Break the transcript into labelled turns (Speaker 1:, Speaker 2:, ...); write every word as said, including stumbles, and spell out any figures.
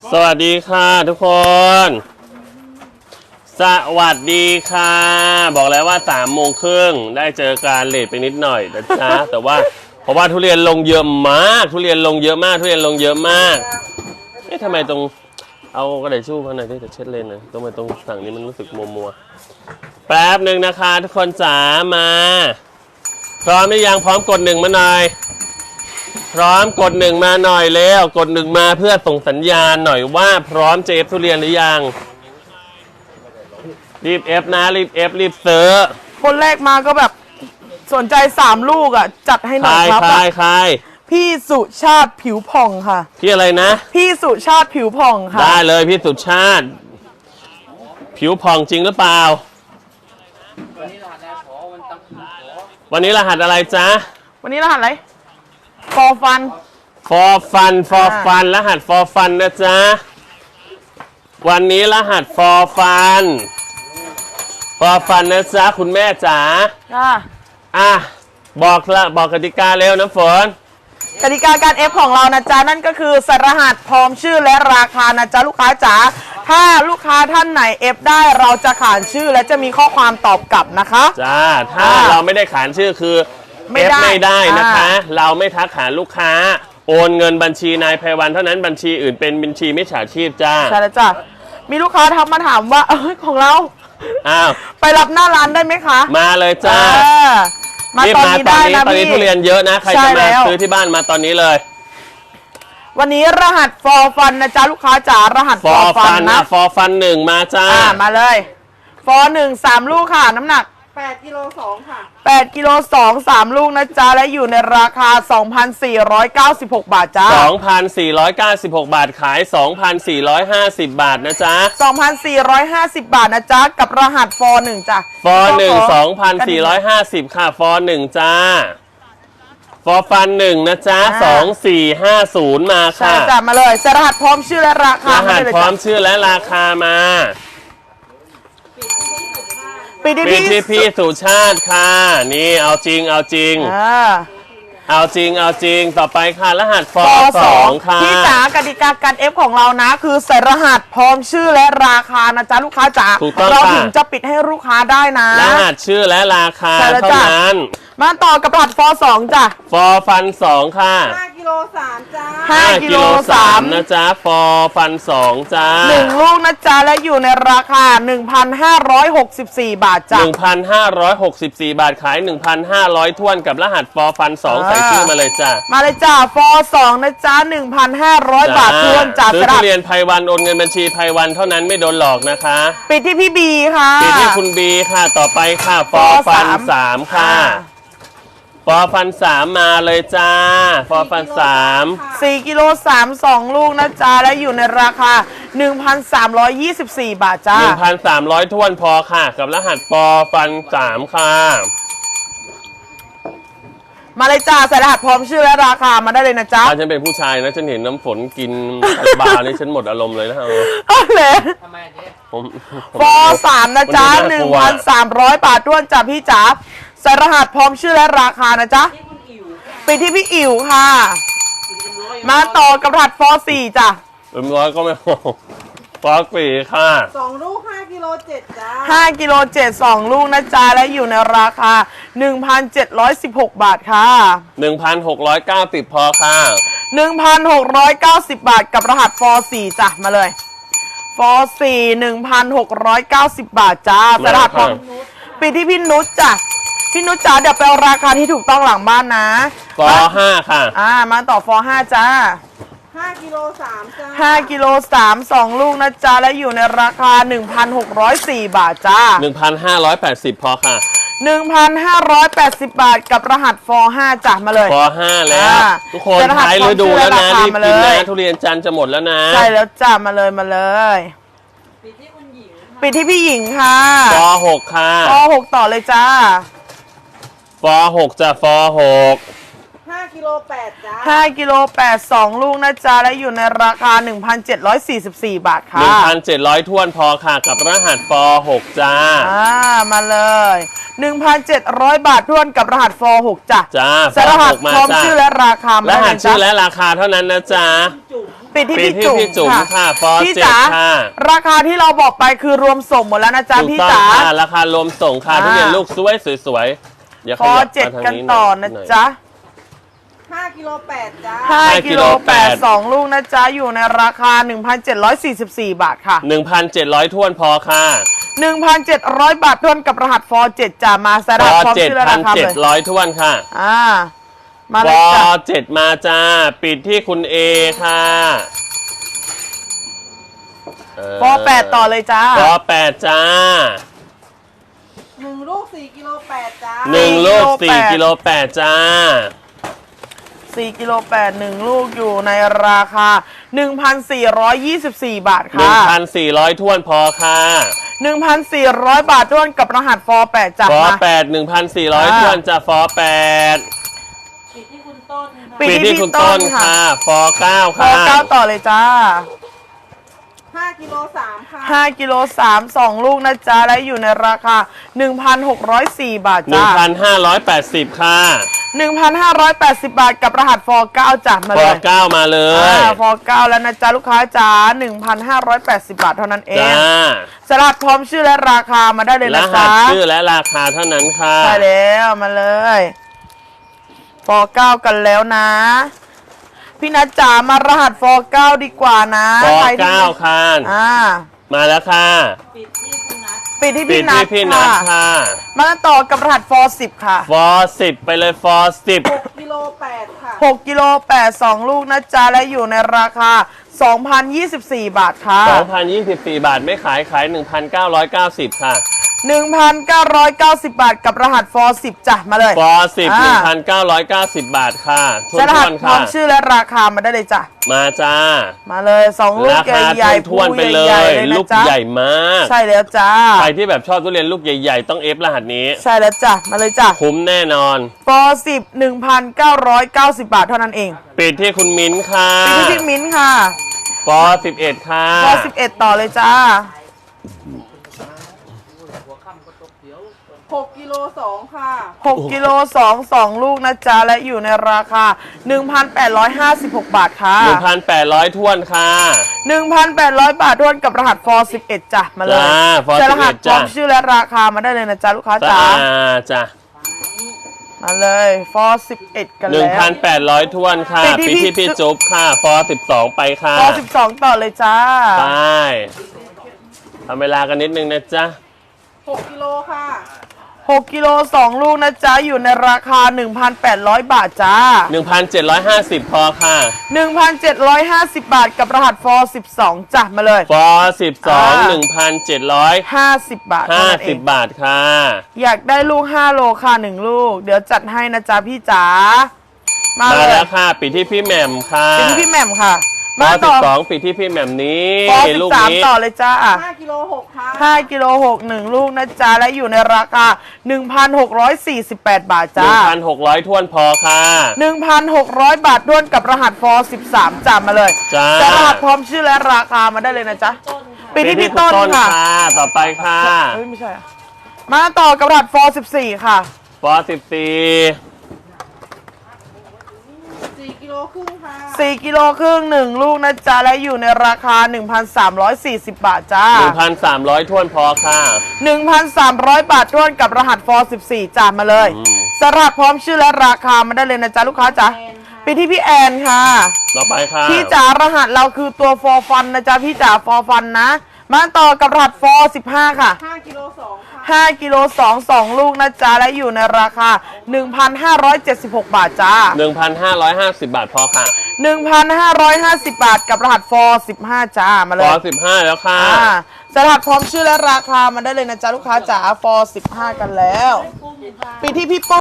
Speaker 1: สวัสดีค่ะทุกคน สวัสดีค่ะบอกแล้วว่าสามโมงครึ่งได้เจอการเลทไปนิดหน่อยนะจ๊ะ แต่ว่าเพราะว่าทุเรียนลงเยอะมากทุเรียนลงเยอะมากทุเรียนลงเยอะมากเอ๊ะทำไมตรงเอากระดาษชู่มาหน่อยที่จะเช็ดเลนหน่อยตรงไปตรงฝั่งนี้มันรู้สึกมัวมัวแป๊บหนึ่งนะคะทุกคนจ๋ามาพร้อมหรือยังพร้อมกดหนึ่งมาหน่อยพร้อมกดหนึ่งมาหน่อยแล้วกดหนึ่งมาเพื่อส่งสัญญาณหน่อยว่าพร้อมเจฟทุเรียนหรือยังรีบเอฟนะรีบเอฟรีบซื้อ
Speaker 2: คนแรกมาก็แบบสนใจสามลูกอ่ะจัดให้หน่อยครับ
Speaker 1: ใครใคร
Speaker 2: พี่สุชาติผิวผ่องค่ะ
Speaker 1: พี่อะไรนะ
Speaker 2: พี่สุชาติผิวผ่องค่ะ
Speaker 1: ได้เลยพี่สุชาติผิวผ่องจริงหรือเปล่าวันนี้รหัสอะไรจ๊ะ
Speaker 2: วันนี้รหัสอะไรฟอร์ฟัน
Speaker 1: ฟอร์ฟันฟอร์ฟันรหัสฟอร์ฟันนะจ๊ะวันนี้รหัสฟอร์ฟันฟอร์ฟันนะจ๊ะคุณแม่จ๋าอ่ะบอกละบอกกติกาเร็วน้ำฝน
Speaker 2: กติกาการเอฟของเรานะจ๊ะนั่นก็คือใส่รหัสพร้อมชื่อและราคานะจ๊ะลูกค้าจ๋าถ้าลูกค้าท่านไหนเอฟได้เราจะขานชื่อและจะมีข้อความตอบกลับนะคะ
Speaker 1: จ้าถ้าเราไม่ได้ขานชื่อคือเอฟไม่ได้นะคะเราไม่ทักหาลูกค้าโอนเงินบัญชีนายไพวันเท่านั้นบัญชีอื่นเป็นบัญชีมิจฉาชีพจ้า
Speaker 2: ใช่แล้วจ้ะมีลูกค้าทักมาถามว่าเออของเรา
Speaker 1: อ้าว
Speaker 2: ไปรับหน้าร้านได้ไหมคะ
Speaker 1: มาเลยจ้า
Speaker 2: มาตอนนี้ได้นะพี่
Speaker 1: ตอนนี้ทุเรียนเยอะนะใครจะมาซื้อที่บ้านมาตอนนี้เลย
Speaker 2: วันนี้รหัสฟอร์ฟันนะจ๊ะลูกค้าจ๋ารหัส
Speaker 1: ฟอร์ฟันนะฟอร์ฟันหนึ่งมาจ้า
Speaker 2: มาเลยฟอร์หนึ่งสามลูกค่ะน้ำหนัก
Speaker 3: แปดกิโลสองค่ะ
Speaker 2: แปดกิโลสองสามลูกนะจ๊ะและอยู่ในราคา สองพันสี่ร้อยเก้าสิบหก บาทจ้า
Speaker 1: สองพันสี่ร้อยเก้าสิบหก บาทขาย สองพันสี่ร้อยห้าสิบ บาทนะจ๊ะ
Speaker 2: สองพันสี่ร้อยห้าสิบ บาทนะจ๊ะกับรหัสฟอร์หนึ่งจ้ะ
Speaker 1: ฟอร์หนึ่ง สองพันสี่ร้อยห้าสิบ ค่ะฟอร์หนึ่งจ้าฟอร์ฟันหนึ่งนะจ๊ะสองสี่ห้าศูนย์มาค่ะ
Speaker 2: ใช่จ้ะมาเลยรหัสพร้อมชื่อและราคาร
Speaker 1: หัสพร้อมชื่อและราคามา
Speaker 2: ปีที่
Speaker 1: พี่สุชาติค่ะนี่เอาจริงเอาจริงเอาจริงเอาจริงต่อไปค่ะรหัสฟอร์สองค่ะ
Speaker 2: พี่จ๋ากติกาการเอฟของเรานะคือใส่รหัสพร้อมชื่อและราคานะจ๊ะลูกค้าจ๋าเราถึงจะปิดให้ลูกค้าได้นะ
Speaker 1: รหัสชื่อและราคาเท่านั้น
Speaker 2: มาต่อกับรหัสฟอร์สองจ้ะ
Speaker 1: ฟอร์ฟันสองค่ะ
Speaker 3: ห้ากิโลสามจ้า
Speaker 2: ห้ากิโลสาม
Speaker 1: นะจ๊ะฟอร์ฟันสองจ้า
Speaker 2: หนึ่งลูกนะจ๊ะและอยู่ในราคา หนึ่งพันห้าร้อยหกสิบสี่ บาทจ้ะ
Speaker 1: หนึ่งพันห้าร้อยหกสิบสี่ บาทขาย หนึ่งพันห้าร้อย ถ้วนกับรหัสฟอร์ฟันสองใส่ชื่อมาเลยจ้ะ
Speaker 2: มาเลยจ้ะฟอร์สองนะจ๊ะ หนึ่งพันห้าร้อย บาททวนจ้ะ
Speaker 1: ซื้อทุเรียนไพวันโอนเงินบัญชีไพวันเท่านั้นไม่โดนหลอกนะคะ
Speaker 2: ปิดที่พี่บีค่ะ
Speaker 1: ปิดที่คุณบีค่ะต่อไปค่ะฟอร์ฟันสามค่ะฟอร์ฟันสามมาเลยจ้าฟอร์ฟันสาม
Speaker 2: สี่กิโลสามสองลูกนะจ๊ะและอยู่ในราคา หนึ่งพันสามร้อยยี่สิบสี่ บาทจ้า
Speaker 1: หนึ่งพันสามร้อย ถ้วนพอค่ะกับรหัสฟอร์ฟันสามค่ะ
Speaker 2: มาเลยจ้าใส่รหัสพร้อมชื่อและราคามาได้เลยนะจ๊ะ
Speaker 1: ถ้าฉันเป็นผู้ชายนะฉันเห็นน้ำฝนกินบาร์นี่ฉันหมดอารมณ์เลยนะเอ
Speaker 2: อเลยฟอร์สามนะจ๊ะ หนึ่งพันสามร้อย บาทท้วนจ้ะพี่จ๋าใส่รหัสพร้อมชื่อและราคานะจ๊ะปิดที่พี่อิ๋วค่ะมาต่อกับรหัสฟอร์สี่จ้ะ
Speaker 1: เอ็มร้อยก็ไม่พอฟอร์สี่ค่ะ
Speaker 3: สองลูกห้ากิโลเจ็ดจ้า
Speaker 2: ห้ากิโลเจ็ดสองลูกนะจ๊ะและอยู่ในราคา หนึ่งพันเจ็ดร้อยสิบหก บาทค่ะ
Speaker 1: หนึ่งพันหกร้อยเก้าสิบ พอค่ะ
Speaker 2: หนึ่งพันหกร้อยเก้าสิบ บาทกับรหัสฟอร์สี่จ้ะมาเลยฟอร์สี่ หนึ่งพันหกร้อยเก้าสิบ บาทจ้ารหัสพร้อมปิดที่พี่นุชจ้ะพี่นุชจ๋าเดี๋ยวไปเอาราคาที่ถูกต้องหลังบ้านนะ
Speaker 1: ฟอร์ห้าค่ะ
Speaker 2: อ่ามาต่อฟอร์ห้าจ้า
Speaker 3: ห้ากิโลสามจ้า
Speaker 2: ห้ากิโลสามสองลูกนะจ๊ะและอยู่ในราคา หนึ่งพันหกร้อยสี่ บาทจ้า
Speaker 1: หนึ่งพันห้าร้อยแปดสิบ พอค่ะ
Speaker 2: หนึ่งพันห้าร้อยแปดสิบ บาทกับรหัสฟอร์ห้าจ้ะมาเลย
Speaker 1: ฟอร์ห้าแล้วทุกคนท้ายฤดูแล้วนะรีบกินนะทุเรียนจันทร์จะหมดแล้วนะ
Speaker 2: ใช่แล้วจ้ามาเลยมาเลยปิดที่คุณหญิงปิดที่พี่หญิงค่ะ
Speaker 1: ฟอร์หกค่ะ
Speaker 2: ฟอร์หกต่อเลยจ้า
Speaker 1: ฟอร์หกจ้ะฟอร์หก
Speaker 3: ห้ากิโลแปดจ้า
Speaker 2: ห้ากิโลแปดสองลูกนะจ๊ะและอยู่ในราคา หนึ่งพันเจ็ดร้อยสี่สิบสี่ บาทค่ะ
Speaker 1: หนึ่งพันเจ็ดร้อย ถ้วนพอค่ะกับรหัสฟอร์หกจ้า
Speaker 2: อ่ามาเลย หนึ่งพันเจ็ดร้อย บาทท้วนกับรหัสฟอร์หกจ้ะ
Speaker 1: จ้า
Speaker 2: รหัสพร้อมชื่อและราคาร
Speaker 1: หัสชื่อและราคาเท่านั้นนะจ๊ะ
Speaker 2: ปิดที่
Speaker 1: ปิด
Speaker 2: พี่
Speaker 1: ที่
Speaker 2: จุ๋ม
Speaker 1: พี่จุ๋มค่ะฟอ
Speaker 2: พี่
Speaker 1: เจ็ด
Speaker 2: จ๋า
Speaker 1: ค่ะ
Speaker 2: ราคาที่เราบอกไปคือรวมส่งหมดแล้วนะจ๊ะ
Speaker 1: ถูก
Speaker 2: พี่
Speaker 1: ต้อง
Speaker 2: จ๋า
Speaker 1: ค่ะราคารวมส่งค่ะ
Speaker 2: อ่า
Speaker 1: ทุเรียนลูกสวยสวยๆอย่า
Speaker 2: ฟ
Speaker 1: ข
Speaker 2: อ
Speaker 1: ยับ
Speaker 2: เจ็ด
Speaker 1: มาทาง
Speaker 2: กัน
Speaker 1: นี้
Speaker 2: ต่อ
Speaker 1: หน่
Speaker 2: นะ
Speaker 1: อย
Speaker 2: จ๊ะ
Speaker 3: ห้ากิโลแปดจ้า
Speaker 2: ห้า
Speaker 1: ห้า
Speaker 2: กิโล
Speaker 1: กิโล
Speaker 2: แป
Speaker 1: แป
Speaker 2: ด
Speaker 1: ด
Speaker 2: สองลูกนะจ๊ะอยู่ในราคา หนึ่งพันเจ็ดร้อยสี่สิบสี่ บาทค่ะ
Speaker 1: หนึ่งพันเจ็ดร้อยท้วนพอค่ะ
Speaker 2: หนึ่งพันเจ็ดร้อย บาททวนกับรหัสฟอเจ็ดจะมาส
Speaker 1: ฟ
Speaker 2: ลับ
Speaker 1: อ
Speaker 2: พร้อม
Speaker 1: เจ็ด
Speaker 2: ชื่อและ
Speaker 1: พั
Speaker 2: ราน คา
Speaker 1: เจ็
Speaker 2: เล
Speaker 1: ด
Speaker 2: ย
Speaker 1: ร้อยท้วนค่ะ
Speaker 2: อ่ามา
Speaker 1: ฟ
Speaker 2: เลย
Speaker 1: อ
Speaker 2: จ้ะ
Speaker 1: เจ็ดมาจ้า ปิดที่คุณเอค่ะเ
Speaker 2: ฟอแปดต่อเลยจ้า
Speaker 1: ฟอแปดจ้า
Speaker 3: หนึ่งลูกสี่กิโลแปดจ้า
Speaker 1: หนึ่งลูก
Speaker 2: สี่
Speaker 1: สี่
Speaker 2: กิ
Speaker 1: กิ
Speaker 2: โล
Speaker 1: โล
Speaker 2: แป
Speaker 1: แป
Speaker 2: ด
Speaker 1: ดจ้า
Speaker 2: สี่กิโลแปด หนึ่งลูกอยู่ในราคา หนึ่งพันสี่ร้อยยี่สิบสี่ บาท
Speaker 1: หนึ่ง
Speaker 2: ค่ะ
Speaker 1: พันสี่ร้อยท้วนพอค่ะ
Speaker 2: หนึ่งพันสี่ร้อย บาททวนกับรหัสฟอแปดจัด
Speaker 1: ฟอ
Speaker 2: มา
Speaker 1: แปดหนึ่งพันสี่ร้อย
Speaker 2: อ่า
Speaker 1: ท้วนจะฟอแปด
Speaker 3: ปิดที่คุณต้นค่ะ
Speaker 2: ปิด
Speaker 1: ปิด
Speaker 2: ที่
Speaker 1: ที่
Speaker 2: พี่
Speaker 1: คุณ
Speaker 2: ต้
Speaker 1: ต้
Speaker 2: น
Speaker 1: น
Speaker 2: ค่ะ
Speaker 1: ค่ะ ฟอเก้า
Speaker 2: ฟอ
Speaker 1: ค่ะ
Speaker 2: เก้าต่อเลยจ้า
Speaker 3: ห้ากิโลสามค่ะ
Speaker 2: ห้ากิโลสาม สองลูกนะจ๊ะ และอยู่ในราคา หนึ่งพันหกร้อยสี่ บาท
Speaker 1: หนึ่
Speaker 2: จ้า
Speaker 1: งพันห้าร้อยแปดสิบค่ะ
Speaker 2: หนึ่งพันห้าร้อยแปดสิบ บาทกับรหัสฟอเก้าจัดมา
Speaker 1: ฟ
Speaker 2: เล
Speaker 1: อย เก้ามาเลย
Speaker 2: อ่าฟอเก้าแล้วนะจ๊ะ ลูกค้าจ๋าหนึ่งพันห้าร้อยแปดสิบ บาทเท่านั้นเอง
Speaker 1: จ้า
Speaker 2: สลัดพร้อมชื่อและราคามาได้เลย
Speaker 1: ร
Speaker 2: นะ
Speaker 1: หั
Speaker 2: จ๊ะ
Speaker 1: สชื่อและราคาเท่านั้นค่ะ
Speaker 2: ใช่แล้วมาเลยฟอเก้ากันแล้วนะ พี่นัทจ๋ามารหัสฟอเก้าดีกว่านะ
Speaker 1: ฟอ
Speaker 2: ใครที่
Speaker 1: เก้าค่ะ
Speaker 2: อ่า
Speaker 1: มาแล้วค่ะ
Speaker 3: ปิดที่คุณนัท
Speaker 2: ปิดที่
Speaker 1: ปิ
Speaker 2: พี่
Speaker 1: ด
Speaker 2: นั
Speaker 1: ที่
Speaker 2: ท
Speaker 1: พี่นัท
Speaker 2: ค่ะ
Speaker 1: ค่ะ
Speaker 2: มาต่อกับรหัสฟอสิบค่ะ
Speaker 1: ฟอสิบไปเลยฟอสิบ
Speaker 3: หกกิโลแปดค่ะ
Speaker 2: หกกิโลแปด สองลูกนะจ๊ะ และอยู่ในราคา สองพันยี่สิบสี่ บาทค่ะ
Speaker 1: สองพันยี่สิบสี่ บาทไม่ขายขาย หนึ่งพันเก้าร้อยเก้าสิบ ค่ะ
Speaker 2: หนึ่งพันเก้าร้อยเก้าสิบ บาทกับรหัสฟอสิบจ้ะมาเลย
Speaker 1: ฟอสิบ
Speaker 2: อ่า
Speaker 1: หนึ่งพันเก้าร้อยเก้าสิบ บาทค่ะทว
Speaker 2: ใช้รหัส
Speaker 1: นๆ
Speaker 2: พร้อ
Speaker 1: ค่ะ
Speaker 2: มชื่อและราคามาได้เลยจ้ะ
Speaker 1: มาจ้า
Speaker 2: มาเลยสองลูก
Speaker 1: ราคา
Speaker 2: ใหญ่ๆ
Speaker 1: ทวนๆไปเล
Speaker 2: ใหญ่
Speaker 1: ย
Speaker 2: ๆเลยนะ
Speaker 1: ลูก
Speaker 2: จ๊ะ
Speaker 1: ใหญ่มาก
Speaker 2: ใช่แล้วจ้า
Speaker 1: ใครที่แบบชอบทุเรียนลูกใหญ่ๆ ต้องเอฟรหัสนี้
Speaker 2: ใช่แล้วจ้ะมาเลยจ้ะ
Speaker 1: คุ้มแน่นอน
Speaker 2: ฟอสิบ หนึ่งพันเก้าร้อยเก้าสิบ บาทเท่านั้นเอง
Speaker 1: ปิดที่คุณมิ้นท์ค่ะ
Speaker 2: ปิดที่พี่มิ้นท์ค่ะ
Speaker 1: ฟอสิบเอ็ดค่ะ
Speaker 2: ฟอสิบเอ็ดต่อเลยจ้า
Speaker 3: หกกิโลสองค่ะ
Speaker 2: หกกิโลสอง สองลูกนะจ๊ะ และอยู่ในราคา หนึ่งพันแปดร้อยห้าสิบหก บาทค่ะ
Speaker 1: หนึ่งพันแปดร้อยท้วนค่ะ
Speaker 2: หนึ่งพันแปดร้อย บาททวนกับรหัสฟอสิบเอ็ดจ้ะมาเลย
Speaker 1: จ้า ฟอ
Speaker 2: ใช้
Speaker 1: สิ
Speaker 2: ร
Speaker 1: บ
Speaker 2: หั
Speaker 1: เอ็
Speaker 2: ส
Speaker 1: ด
Speaker 2: พร้อ
Speaker 1: จ้าม
Speaker 2: ชื่อและราคามาได้เลยนะจ๊ะลูกค้า
Speaker 1: จ้า
Speaker 2: จ๋า
Speaker 1: จ้า
Speaker 2: มาเลยฟอสิบเอ็ดกัน
Speaker 1: หนึ่ง
Speaker 2: แล้ว
Speaker 1: พันแปดร้อยท้วนค่ะ
Speaker 2: ปิดที่
Speaker 1: ปิดที่
Speaker 2: พี่
Speaker 1: พี่จุ๊บค่ะ ฟอสิบสองไปค่ะ
Speaker 2: ฟอสิบสองต่อเลยจ้า
Speaker 1: ไปทำเวลากันนิดนึงนะจ๊ะ
Speaker 3: หกกิโลค่ะ
Speaker 2: หกกิโลสองลูกนะจ๊ะ อยู่ในราคา หนึ่งพันแปดร้อย บาทจ้า
Speaker 1: หนึ่งพันเจ็ดร้อยห้าสิบ พอค่ะ
Speaker 2: หนึ่งพันเจ็ดร้อยห้าสิบ บาทกับรหัสฟอสิบสองจ้ะมาเลย
Speaker 1: ฟอสิบสอง
Speaker 2: อ่า
Speaker 1: หนึ่งพันเจ็ดร้อย
Speaker 2: ห้าสิบบาทเท่า
Speaker 1: ห้า
Speaker 2: นั้นเอ
Speaker 1: สิบ
Speaker 2: ง
Speaker 1: บาทค่ะ
Speaker 2: อยากได้ลูกห้าโลค่ะหนึ่งลูก เดี๋ยวจัดให้นะจ๊ะพี่จ๋า มา
Speaker 1: มา
Speaker 2: เลย
Speaker 1: แล้วค่ะ ปิดที่พี่แหม่มค่ะ
Speaker 2: เป็นที่พี่แหม่มค่ะ
Speaker 1: ฟอ
Speaker 2: มา
Speaker 1: สิ
Speaker 2: ต่
Speaker 1: บ
Speaker 2: อ
Speaker 1: สองปิดที่พี่แหม่มนี้
Speaker 2: ฟอสิ
Speaker 1: ลู
Speaker 2: บ
Speaker 1: ก
Speaker 2: สาม
Speaker 1: นี้
Speaker 2: ต่อเลยจ้า
Speaker 3: ห้ากิโลหกค่ะ
Speaker 2: ห้ากิโลหกหนึ่งลูกนะจ๊ะ และอยู่ในราคา หนึ่งพันหกร้อยสี่สิบแปด บาท
Speaker 1: หนึ่
Speaker 2: จ้า
Speaker 1: งพันหกร้อยท้วนพอค่ะ
Speaker 2: หนึ่งพันหกร้อย บาทด้วนกับรหัสฟอสิบสามจ้ามาเลย
Speaker 1: จ้า
Speaker 2: จะรหัสพร้อมชื่อและราคามาได้เลยนะจ๊ะปิดที่พี่
Speaker 1: คุณ
Speaker 2: ต้นค่ะ
Speaker 1: ต่อไปค่ะ
Speaker 2: เฮ้ยไม่ใช่อะมาต่อกับรหัสฟอสิบสี่ค่ะ
Speaker 1: ฟอสิบสี่
Speaker 3: สี่กิโลครึ่งค่ะ
Speaker 2: สี่กิโลครึ่งหนึ่งลูกนะจ๊ะ และอยู่ในราคา หนึ่งพันสามร้อยสี่สิบ บาทจ้า
Speaker 1: หนึ่งพันสามร้อยท้วนพอค่ะ
Speaker 2: หนึ่งพันสามร้อย บาทด้วนกับรหัสฟอสิบสี่จ้ามาเลย
Speaker 1: อืม
Speaker 2: สลัดพร้อมชื่อและราคามาได้เลยนะจ๊ะลูกค้าจ๋า
Speaker 3: แอนค่ะ
Speaker 2: ปิดที่พี่แอนค่ะ
Speaker 1: ต่อไปค่ะ
Speaker 2: พี่จ๋ารหัสเราคือตัวฟอฟันนะจ๊ะพี่จ๋าฟอฟันนะ มาต่อกับรหัสฟอสิบห้าค่ะ
Speaker 3: ห้ากิโลสองค่ะ
Speaker 2: ห้ากิโลสอง สองลูกนะจ๊ะ และอยู่ในราคา หนึ่งพันห้าร้อยเจ็ดสิบหก บาทจ้า
Speaker 1: หนึ่งพันห้าร้อยห้าสิบบาทพอค่ะ
Speaker 2: หนึ่งพันห้าร้อยห้าสิบ บาทกับรหัสฟอสิบห้าจ้ามาเล
Speaker 1: ฟอย สิบห้าแล้วค่ะ
Speaker 2: อ่าสลัดพร้อมชื่อและราคามาได้เลยนะจ๊ะลูกค้าจ๋าฟอสิบห้ากันแล้ว
Speaker 3: กุ้งค่ะ
Speaker 2: ปีที่พี่ปุ้ม